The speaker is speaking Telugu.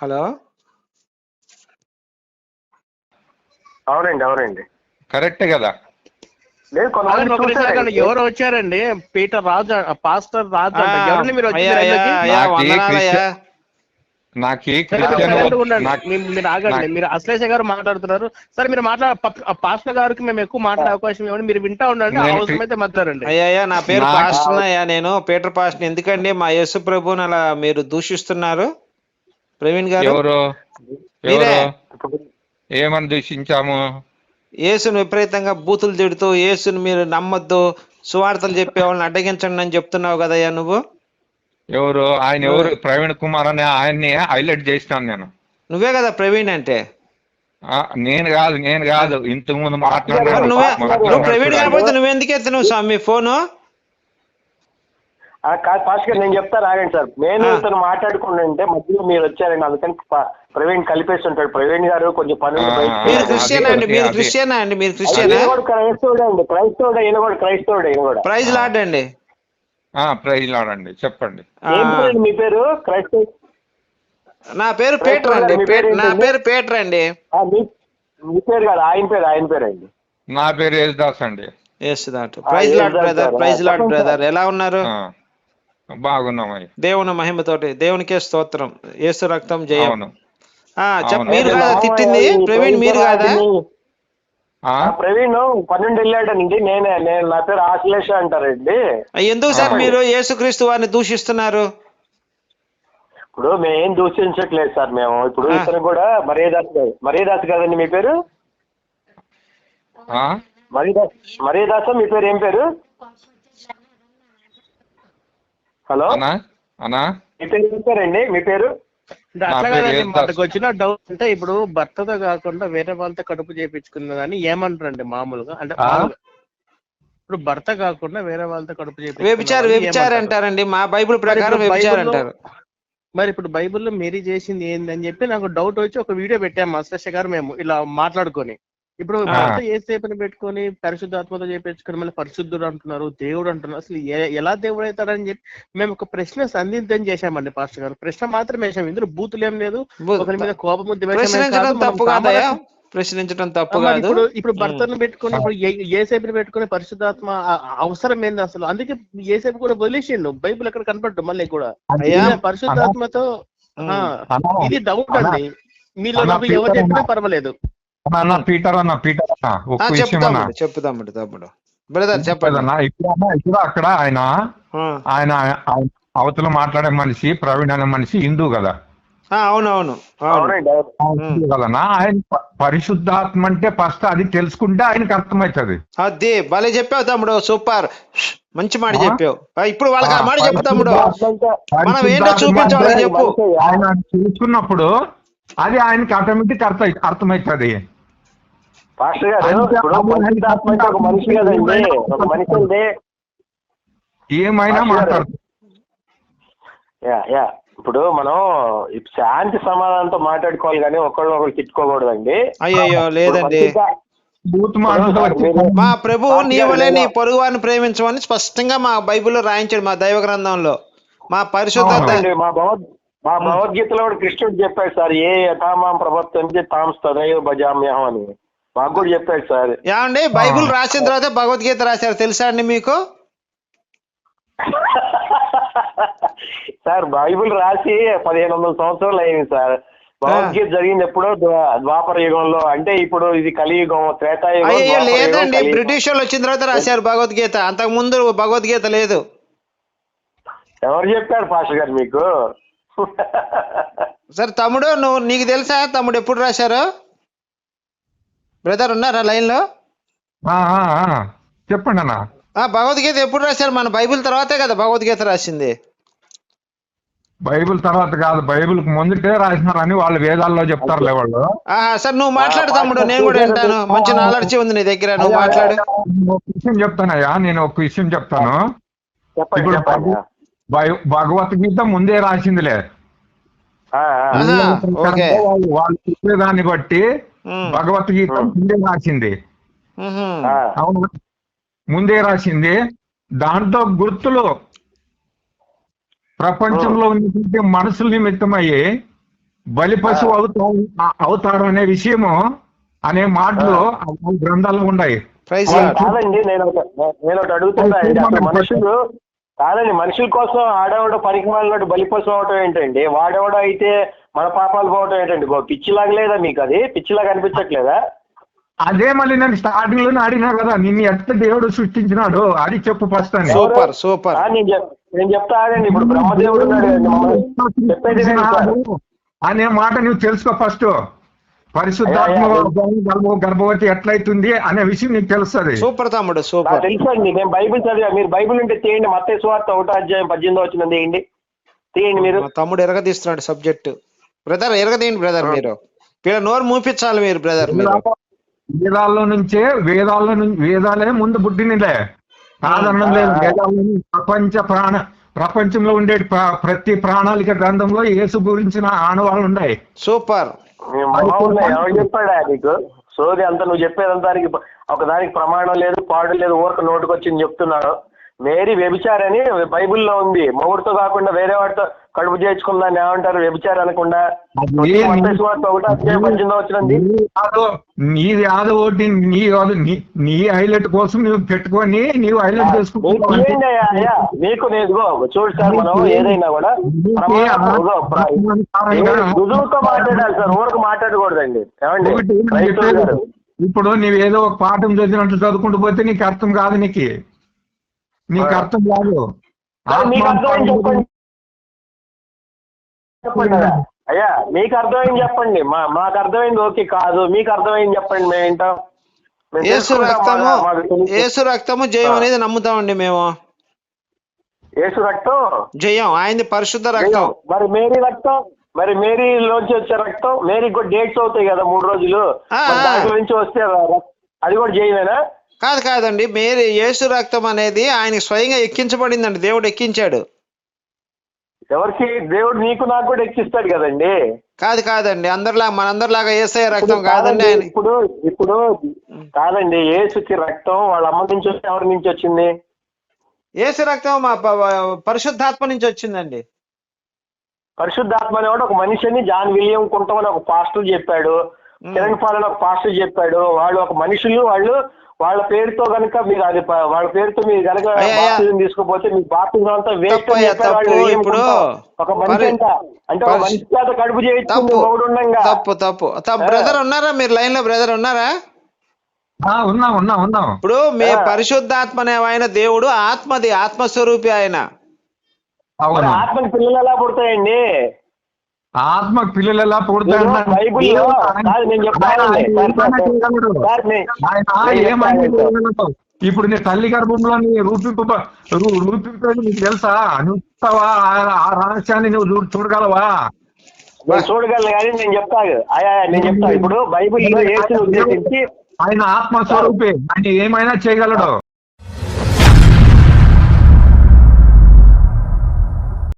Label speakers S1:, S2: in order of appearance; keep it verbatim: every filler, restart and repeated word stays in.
S1: హలో
S2: అవునండి అవునండి
S3: కరెక్టే కదా.
S2: లేదు కొంతమంది చూసారండి.
S4: ఎవరు వచ్చారండి? పీటర్ రాజు, పాస్టర్ రాజు
S1: ఆ,
S4: అంట. ఎవరండి మీరు
S1: అయ్యా
S4: వచ్చింది
S1: అయ్యా
S4: లైన్లోకి?
S1: అయ్యా
S3: నాకి
S1: వందనాలయ్యా.
S3: క్రిస్టియన్ నాకి
S4: సరే, మీరు
S3: క్రిస్టియన్
S4: silent గా
S3: వద్దు.
S4: ఉండండి.
S3: నాకు
S4: మీ- మీరు ఆగండి.
S3: నాకు
S4: మీరు అశ్లేష గారు మాట్లాడుతున్నారు. సరే, మీరు మాట్లాడ ప- పాస్టర్ గారికి మేము ఎక్కువ మాట్లాడే అవకాశం ఇవ్వండి. మీరు వింటా ఉండండి,
S3: నేను
S4: అవసరమైతే మాట్లాడండి.
S1: అయ్యా అయ్యా నా పేరు
S3: నా-
S1: పాస్టర్ అయ్యా, నేను పీటర్ పాస్టర్. ఎందుకండి మా యేసు ప్రభుని అలా మీరు దూషిస్తున్నారు ప్రవీణ్ గారు?
S3: ఎవరు
S1: మీరే
S3: ఎవరు ఏమని దూషించాము?
S1: యేసును విపరీతంగా బూతులు తిడుతూ యేసుని మీరు నమ్మొద్దు, సువార్తలు చెప్పే వాళ్ళని అడ్డగించండి అని చెప్తున్నావు కదయ్యా నువ్వు.
S3: ఎవరు ఆయన? ఎవరు? ప్రవీణ్ కుమార్ అని ఆయన్ని హైలైట్ చేసినాను నేను.
S1: నువ్వే కదా ప్రవీణ్ అంటే.
S3: ఆ, నేను కాదు నేను కాదు ఇంతకు ముందు
S1: మరి
S3: మాట్లాడినాడు
S1: నువ్వే నువ్వు ప్రవీణ్
S3: మాట్లాడినాడు
S1: కాకపోతే నువ్వెందుకు ఎత్తున్నావు స్వామి ఫోను?
S2: ఆ, కాదు పాస్టర్ గారు, నేను చెప్తాను ఆగండి సార్. నేను
S1: ఆ.
S2: ఇతను మాట్లాడుకుంటుంటే మధ్యలో మీరు వచ్చారండి, అందుకని ప- ప్రవీణ్ కలిపేసి ఉంటాడు. ప్రవీణ్ గారు కొంచెం పని ఉండి
S3: ఆ,
S2: బయటికి
S1: మీరు
S2: వెళ్ళారు.
S1: క్రిస్టియన్ అండి,
S3: అది-
S1: మీరు
S3: అది-
S1: క్రిస్టియనా అండి, మీరు
S2: ఈయన
S1: క్రిస్టియనా?
S2: కూడా క్రైస్తవుడే అండి, క్రైస్తవుడే. ఈయన కూడా క్రైస్తవుడే. ఈయన కూడా
S1: ప్రైజ్ లార్డ్ అండి.
S3: ఆ, ప్రైజ్ లాడండి, చెప్పండి.
S1: ఆ,
S2: ఏం పేరు మీ పేరు? క్రైస్తవ
S1: నా పేరు పీటర్ అండి.
S2: మీ పేరు
S1: పీటర్- నా
S2: ఏంటండి?
S1: పేరు పీటర్ అండి.
S2: ఆ, మీ మీ పేరు కాదు, ఆయన పేరు ఆయన పేరు అండి.
S3: నా పేరు యేసుదాస్ అండి.
S1: ఎస్ దాట్. Praise lord brother, praise lord brother. ఎలా ఉన్నారు?
S3: ఆ, బాగున్నామయ్య.
S1: దేవుని మహిమతోటి దేవునికే స్తోత్రం. యేసు రక్తం జయం.
S3: అవును.
S1: ఆ, చెప్
S3: అవును.
S1: మీరు
S2: అయితే
S1: కాదా
S2: మామయ్య
S1: తిట్టింది?
S2: ఈ
S1: ప్రవీణ్ మీరు కాదా?
S2: ప్రవీణ్
S3: ఆ,
S2: ఆ, ప్రవీణ్ పన్నెండు వెళ్ళాడండి. నేనే నేను నా పేరు ఆశ్లేష అంటారండి.
S1: ఎందుకు సార్
S3: ఆ.
S1: మీరు యేసుక్రీస్తు వారిని దూషిస్తున్నారు?
S2: ఇప్పుడు మేమేం దూషించట్లేదు సార్. మేము ఇప్పుడు
S1: ఆ.
S2: ఇతను కూడా మర్యాదాస్ గారు. మర్యాదాస్ కదండి మీ పేరు?
S3: ఆ,
S2: మర్యాదాస్ మర్యాదాస మీ పేరు ఏం పేరు? హలో,
S3: అనా అనా
S2: మీ పేరు ఏం పేరండి? మీ పేరు?
S4: అంటే
S3: నా
S4: అట్లా
S3: పేరు
S4: కాదండి,
S3: యేసుదాస్.
S4: మనకు వచ్చిన డౌట్ అంటే ఇప్పుడు భర్తతో కాకుండా వేరే వాళ్ళతో కడుపు చేయించుకున్నదని ఏమంటారండి మామూలుగా? అంటే
S3: ఆ?
S4: మామూలుగా ఇప్పుడు భర్త కాకుండా వేరే వాళ్ళతో కడుపు
S1: వ్యభిచారి
S4: చేయించుకున్న
S1: వ్యభిచారి
S4: ఏమంటారు?
S1: అంటారండి, మా బైబిల్
S4: మరి
S1: ప్రకారం
S4: ఇప్పుడు
S1: వ్యభిచారి
S4: బైబిల్లో
S1: అంటారు.
S4: మరి ఇప్పుడు బైబిల్లో మేరీ చేసింది ఏంది అని చెప్పి నాకు డౌట్ వచ్చి ఒక వీడియో పెట్టాము అశ్లేష గారు మేము ఇలా మాట్లాడుకొని. ఇప్పుడు
S1: ఆ.
S4: భర్త ఏసేపుని పెట్టుకొని పరిశుద్ధాత్మతో చేపించుకొని మళ్ళీ పరిశుద్ధుడు అంటున్నారు, దేవుడు అంటున్నారు. అసలు ఏ- ఎలా దేవుడు అవుతాడని చెప్పి మేము ఒక ప్రశ్న సందిగ్ధం చేశామండి పాస్టర్ గారు. ప్రశ్న మాత్రం వేసాం, ఇందులో బూతులు ఏం లేదు,
S1: బూ-
S4: ఒకరి మీద కోపము ద్వేషం ఏం కాదు.
S1: ప్రశ్నించడం
S4: మనం
S1: తప్పు కాదయా?
S4: సామరస్యం-
S1: ప్రశ్నించడం
S4: ఆ,
S1: తప్పు
S4: మరి
S1: కాదు.
S4: ఇప్పుడు ఇప్పుడు
S1: ఉమ్.
S4: భర్తను పెట్టుకొని ఇప్పుడు ఏ- ఏసేపుని పెట్టుకొని పరిశుద్ధాత్మ ఆ- ఆ అవసరం ఏంది అసలు? అందుకే ఏసేపు కూడా వదిలేసిండు, బైబిల్ ఎక్కడ కనపడ్డు మళ్ళీ కూడా.
S1: అయ్యా
S4: ఈయన పరిశుద్ధాత్మతో ఆ,
S3: అనా
S4: ఇది డౌట్
S3: అనా
S4: అండి. మీలో
S3: అన్నా,
S4: నాకు ఎవరు
S3: పీటర్
S4: చెప్పినా
S3: అన్నా.
S4: పర్వాలేదు.
S3: అన్న పీటర్ అన్న పీటర్ అన్న
S1: ఆ,
S3: ఒక్క
S1: చెప్పు
S3: విషయం అన్న.
S1: తమ్ముడు, చెప్పు తమ్ముడు, తమ్ముడు బ్రదర్ చెప్పండి.
S3: అన్న ఇప్పుడు అన్న ఇప్పుడు అక్కడ ఆయన
S1: ఆ.
S3: ఆయన ఆయన అవతల మాట్లాడే మనిషి ప్రవీణ్ అనే మనిషి హిందూ కదా.
S1: ఆ, అవునవును అవును.
S2: అవునండి అవును.
S3: హిందూ కదన్నా. ఆయన ప- పరిశుద్ధాత్మ అంటే ఫస్ట్ అది తెలుసుకుంటే ఆయనకి అర్థమవుతుంది.
S1: అది భలే చెప్పావు తమ్ముడు, సూపర్, మంచి మాట
S3: ఆ?
S1: చెప్పావు. ఆ, ఇప్పుడు వాళ్ళకి ఆ మాట
S3: ఆ,
S1: చెప్పు తమ్ముడు.
S3: పరిశుద్ధాత్మ
S1: మనం ఏంటో
S3: పరిశుద్ధాత్మ
S1: చూపించు
S3: అంటే
S1: వాళ్ళకి చెప్పు.
S3: ఆయన చూసుకున్నప్పుడు అది ఆయనకి ఆటోమేటిక్ అర్థం అర్థమవుతుంది.
S2: పాస్టర్ గారు,
S3: అంటే
S2: ఇప్పుడు
S3: అది ఆయన
S2: పరిశుద్ధాత్మ అంటే ఒక మనిషి కదండి. ఒక మనిషి అంటే
S3: ఏమైనా మాట్లాడుతుంది.
S2: యా యా ఇప్పుడు మనం ఈ శాంతి సమాధానంతో మాట్లాడుకోవాలి కానీ ఒకళ్ళు ఒకళ్ళు తిట్టుకోకూడదండి.
S1: అయ్యయ్యో లేదండి.
S3: బూత్ మాటలతో వచ్చి
S1: మా ప్రభువు నీవలే నీ పొరుగు వారిని ప్రేమించమని స్పష్టంగా మా బైబిల్లో రాయించాడు, మా దైవ గ్రంథంలో. మా పరిశుద్ధత
S2: అవునండి, మా భగవద్ మా భగవద్గీతలో కూడా కృష్ణుడు చెప్పాడు సార్, ఏ యథామాం ప్రవర్తంతే తాం తదైవ భజామ్యహం అని మాకు కూడా చెప్పాడు సార్.
S1: ఏమండి, బైబిల్ రాసిన తర్వాత భగవద్గీత రాశారు తెలుసా అండి మీకు?
S2: సార్ బైబిల్ రాసి పదిహేను వందల సంవత్సరాలు అయింది సార్. భగవద్గీత జరిగింది ఎప్పుడో ద్వా- ద్వాపర యుగంలో. అంటే ఇప్పుడు ఇది కలియుగం, త్రేతాయుగం,
S1: అయ్యో
S2: ద్వాపర యుగం,
S1: లేదండి,
S2: కలియుగం.
S1: బ్రిటిష్ వాళ్ళు వచ్చిన తర్వాత రాశారు భగవద్గీత. అంతకు ముందు భగవద్గీత లేదు.
S2: ఎవరు చెప్పారు పాస్టర్ గారు మీకు?
S1: సరే తమ్ముడు, నువ్వు నీకు తెలుసా తమ్ముడు ఎప్పుడు రాశారు? బ్రదర్ ఉన్నారా లైన్ లో?
S3: ఆ, ఆ, ఆ. చెప్పండి అన్న.
S1: ఆ, భగవద్గీత ఎప్పుడు రాశారు? మన బైబిల్ తర్వాతే కదా భగవద్గీత రాసింది.
S3: బైబిల్ తర్వాత కాదు, బైబిల్ ముందుకే రాసినారని వాళ్ళు వేదాల్లో చెప్తారులే వాళ్ళు.
S1: ఆహా, సరే నువ్వు మాట్లాడు తమ్ముడు, నేను కూడా వింటాను. మంచి నాలెడ్జ్ ఉంది నీ దగ్గర, నువ్వు మాట్లాడు.
S3: నేను ఒక విషయం చెప్తానయ్యా, నేను ఒక విషయం చెప్తాను.
S2: చెప్పండి
S3: ఇప్పుడు
S2: చెప్పండి.
S3: భగ- భగవద్గీత ముందే రాసిందిలే.
S2: ఆ, ఆ.
S1: ఆహా, ఓకే.
S3: వాళ్ళు వాళ్ళు చెప్పేదాన్ని బట్టి
S1: ఉమ్,
S3: భగవద్గీత ముందే రాసింది.
S1: ఉహు,
S2: ఆ.
S3: అవును, ముందే రాసింది. దాంట్లో గుర్తులు ప్రపంచంలో ఉన్నటువంటి మనసుల నిమిత్తమయ్యి బలి పశువు అవుతాడు అవుతాడు అనే విషయము అనే మాటలు ఆ గ్రంథాలు ఉన్నాయి.
S1: ప్రైజ్
S3: వాళ్ళు
S1: లార్డ్.
S2: కాదండి, నేను ఒక నేను ఒకటి అడుగుతున్నా అండి. అసలు మనుషులు కాదండి, మనుషుల కోసం ఆడేవాడు పరికమాలతో బలిపశువు అవటం ఏంటండి? వాడేవాడు అయితే మన పాపాలు పోవటం ఏంటండి? గో పిచ్చిలాగా లేదా మీకు? అది పిచ్చిలాగా అనిపించట్లేదా?
S3: అదే మళ్ళీ నేను స్టార్టింగ్ లోనే అడిగినా కదా, నిన్ను ఎట్లా దేవుడు సృష్టించినాడు అది చెప్పు ఫస్ట్ అని.
S1: Super super.
S2: ఆ, నేను చెప్- నేను చెప్తా ఆగండి. ఇప్పుడు బ్రహ్మదేవుడు ఉన్నాడు కదండి, మమ్మల్ని చెప్పేది వినండి సార్.
S3: అనే మాట నువ్వు తెలుసుకో ఫస్ట్. పరిశుద్ధాత్మ
S2: అయ్యా, అయ్యా.
S3: గర్భ గర్భవతి ఎట్లయితుంది అనే విషయం నీకు తెలుస్తుంది.
S1: సూపర్ తమ్ముడు
S2: నాకు
S1: సూపర్.
S2: తెలుసండి, నేను బైబిల్ చదివా. మీరు బైబిల్ ఉంటే తీయండి, మత్తయి సువార్త ఒకటో అధ్యాయం పద్దెనిమిదో వచ్చిన తీయండి తీయండి మీరు.
S1: మా తమ్ముడు ఎరగదీస్తున్నాడు సబ్జెక్ట్. బ్రదర్ ఎరగదీయండి బ్రదర్. మీరు వీళ్ళ నోరు మూపించాలి మీరు బ్రదర్. మీరు
S3: వేదాల్లో నుంచే వేదాల్లో నుంచి వేదాలే ముందు పుట్టినలే, కాదనం లేదు. వేదాల్లో ప్రపంచ ప్రాణ ప్రపంచంలో ఉండే ప్ర- ప్రతి ప్రణాళిక గ్రంథంలో యేసు గురించిన ఆనవాళ్ళు ఉన్నాయి.
S1: సూపర్.
S2: మీ మొహం ఎవరు చెప్పాడా నీకు? సోది అంతా నువ్వు చెప్పేదంతా దానికి ఒక దానికి ప్రమాణం లేదు, పాడు లేదు, ఊరక నోటుకొచ్చింది చెప్తున్నాడు. మేరీ వ్యభిచారని బైబిల్లో ఉంది. మొగుడుతో కాకుండా వేరే వాడితో కడుపు చేర్చుకుందాన్ని ఏమంటారు? వ్యభిచారం అనకుండా.
S3: అది
S2: మత్తయి సువార్త ఒకటో అధ్యాయం పద్దెనిమిదో వచ్చినండి.
S3: నీ కాదు, నీది ఆదో ఒకటి నీ కాదు, నీ నీ హైలైట్ కోసం నువ్వు పెట్టుకొని నీవు హైలైట్
S2: మీకు
S3: చేసుకుంటున్నావు.
S2: ఏంటి అయ్యా? అయ్యా మీకు నేను ఇదిగో చూడు సార్, మనం ఏదైనా కూడా ప్రమాణం ఇదిగో ప్ర- ఏ రుజువుతో మాట్లాడాలి సార్, ఊరకు మాట్లాడకూడదండి. ఏమండి
S3: ఒకటి నేను
S2: రైతు
S3: చెప్పేది,
S2: గారు?
S3: ఇప్పుడు నీవేదో ఒక పాఠం చదివినట్లు చదువుకుంటూ పోతే నీకు అర్థం కాదు. నీకు నీకు అర్థం కాదు.
S2: సార్, మీకు అర్థమైంది చెప్పండి చెప్పండి అయ్యా. అయ్యా మీకు అర్థమైంది చెప్పండి. మా మాకు అర్థమైంది ఓకే కాదు, మీకు అర్థమైంది చెప్పండి, మేము ఏంటాం. మేము
S1: యేసు
S2: తెలుసుకుంటాం,
S1: రక్తము
S2: మాకు- మాకు తెలుసు.
S1: యేసు రక్తము జయం అనేది నమ్ముతామండి మేము.
S2: యేసు రక్తం
S1: జయం ఆయనది పరిశుద్ధ రక్తం.
S2: మరి మేరీ రక్తం, మరి మేరీలోంచి వచ్చే రక్తం, మేరీకి కూడా డేట్స్ అవుతాయి కదా మూడు రోజులు,
S1: ఆ,
S2: మరి దాంట్లో నుంచి వస్తే ర- అది కూడా జయమేనా?
S1: కాదు కాదండి, మేరీ యేసు రక్తం అనేది ఆయనకి స్వయంగా ఎక్కించబడిందండి. దేవుడు ఎక్కించాడు.
S2: ఎవరికి? దేవుడు నీకు నాకు కూడా ఎక్కిస్తాడు కదండి.
S1: కాదు కాదండి, అందరిలా మనందరిలాగా యేసయ్య రక్తం
S2: ఇప్పుడు
S1: కాదండి
S2: కాదండి,
S1: ఆయన.
S2: ఇప్పుడు ఇప్పుడు కాదండి, యేసుకి రక్తం వాళ్ళ అమ్మ నుంచి వచ్చి ఎవరి నుంచి వచ్చింది?
S1: యేసు రక్తం మా ప- ప- పరిశుద్ధాత్మ నుంచి వచ్చిందండి.
S2: పరిశుద్ధాత్మ అనేవాడు ఒక మనిషిని జాన్ విలియం కుంటం అని ఒక పాస్టర్ చెప్పాడు, కిరణ్ పాల్ అని ఒక పాస్టర్ చెప్పాడు. వాళ్ళు ఒక మనుషులు, వాళ్ళు వాళ్ళ పేరుతో కనుక మీరు అది ప- వాళ్ళ పేరుతో మీరు కనుక
S1: అయ్యా,
S2: బాప్తిజం తీసుకోపోతే మీకు బాప్తిజం అంతా వేస్ట్
S1: తప్పు
S2: అని
S1: అయ్యా,
S2: చెప్పారు వాళ్ళు.
S1: తప్పు.
S2: ఏం
S1: ఇప్పుడు
S2: కుంటాం? ఒక మనిషి
S1: పరి-
S2: అంట అంటే ఒక
S1: పరిశు-
S2: మనిషి చేత కడుపు చేయించుకుంది
S1: తప్పు
S2: మగుడు ఉండంగా.
S1: తప్పు తప్పు తప్పు. బ్రదర్ ఉన్నారా మీరు? లైన్ లో బ్రదర్ ఉన్నారా?
S3: ఆ, ఉన్నాం ఉన్నాం ఉన్నాం.
S1: ఇప్పుడు మీ
S2: ఆ.
S1: పరిశుద్ధాత్మ అనే ఆయన దేవుడు ఆత్మది, ఆత్మస్వరూపి ఆయన.
S2: మరి
S3: అవును.
S2: ఆత్మకి పిల్లలు ఎలా పుడతాయండి?
S3: ఆత్మ పిల్లలు ఎలా
S2: బైబిల్లో కాదు నేను చెప్తానండి సార్, సార్, సార్, నే- నేను
S3: ఏమైనా
S2: చెప్తాను సార్.
S3: ఇప్పుడు నీ తల్లి గర్భంలో నీ రూపింపు రూపింపేది నీకు తెలుసా? నువ్వు ఆ రహస్యాన్ని నువ్వు చూ- చూడగలవా?
S2: నేను చూడగలను కానీ నేను చెప్తా అయ్యా నేను చెప్తా. ఇప్పుడు బైబిల్లో యేసుని ఉద్దేశించి
S3: ఆయన ఆత్మ స్వరూపే, ఆయన ఏమైనా చేయగలడు.